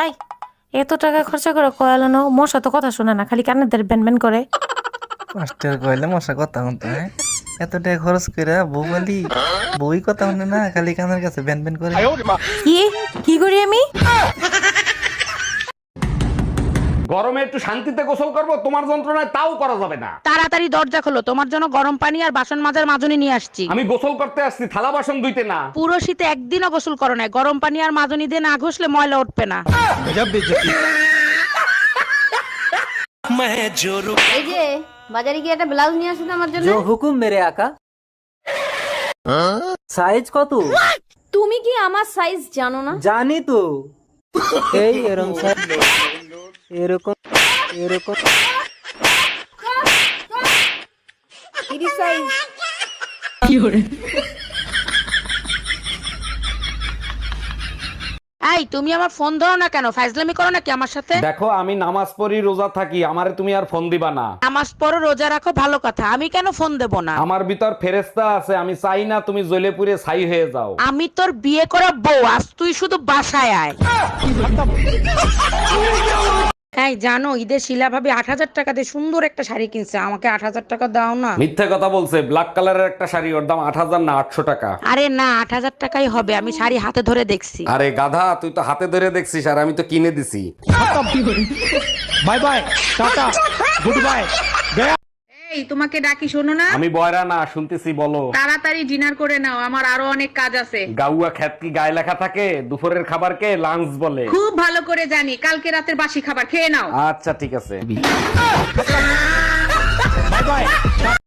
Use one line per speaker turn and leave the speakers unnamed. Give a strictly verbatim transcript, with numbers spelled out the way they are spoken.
তাই এত টাকা খরচা করে কয়ালানো মশা তো কথা শোনে না, খালি কান্নাদের ব্যান ব্যান করে।
মাস্টার কইলে মশা কথা শুনতো। হ্যাঁ, এত টাকা খরচ করে বউ বলি বউই কথা শুনে না, খালি কানের কাছে ব্যান ব্যান করে।
কি কি করি আমি?
গরমে একটু শান্তিতে গোসল করবো, তোমার যন্ত্রণায় তাও করা যাবে না।
তাড়াতাড়ি দরজা খোলো, তোমার জন্য গরম পানি আর বাসন মাজার মাজনি নিয়ে আসছি।
আমি গোসল করতে আসছি, থালা বাসন ধুইতে না।
পুরো শীতে একদিনও গোসল করো না, গরম পানি আর মাজনি দিয়ে না ঘষলে ময়লা উঠবে না।
এই যে বাজারে গিয়ে একটা ব্লাউজ নিয়ে আসুন আমার জন্য।
जो हुकुम मेरे आका। সাইজ কত?
তুমি কি আমার সাইজ জানো না?
জানি তো। এই এরকম সাইজ, এরকম এরকম
তিরিশ সাইজ।
এই তুমি আমার ফোন ধরো না কেন? ফাইজলামি করো নাকি আমার সাথে?
দেখো, আমি নামাজ পড়ি, রোজা থাকি, আমারে তুমি আর ফোন দিবা না।
নামাজ পড়ো, রোজা রাখো, ভালো কথা, আমি কেন ফোন দেব না?
আমার ভিতর ফেরেশতা আছে, আমি চাই না তুমি জ্বলে পুড়ে ছাই হয়ে যাও।
আমি তোর বিয়ে করা বউ, আজ তুই শুধু বাসায় আয়। এই জানো, ঈদের শিলা ভাবি আট হাজার টাকা দিয়ে সুন্দর একটা শাড়ি কিনছে, আমাকে আট হাজার টাকা দাও না।
মিথ্যে কথা বলছে, ব্ল্যাক কালারের একটা শাড়ি, ওর দাম আট হাজার না আটশো টাকা।
আরে না, আট হাজার টাকাই হবে, আমি শাড়ি হাতে ধরে দেখছি।
আরে গাধা, তুই তো হাতে ধরে দেখছিস আর আমি তো কিনে দিছি।
Bye bye, tata, good bye.
এই তোমাকে ডাকি, শোনো না।
আমি বয়রা না, শুনতেছি, বলো।
তাড়াতাড়ি ডিনার করে নাও, আমার আরো অনেক কাজ আছে।
গাউয়া খ্যাত কি গায়ে লেখা থাকে? দুপুরের খাবারকে লাঞ্চ বলে।
খুব ভালো করে জানি, কালকে রাতের বাসি খাবার খেয়ে নাও।
আচ্ছা ঠিক আছে।
Bye by.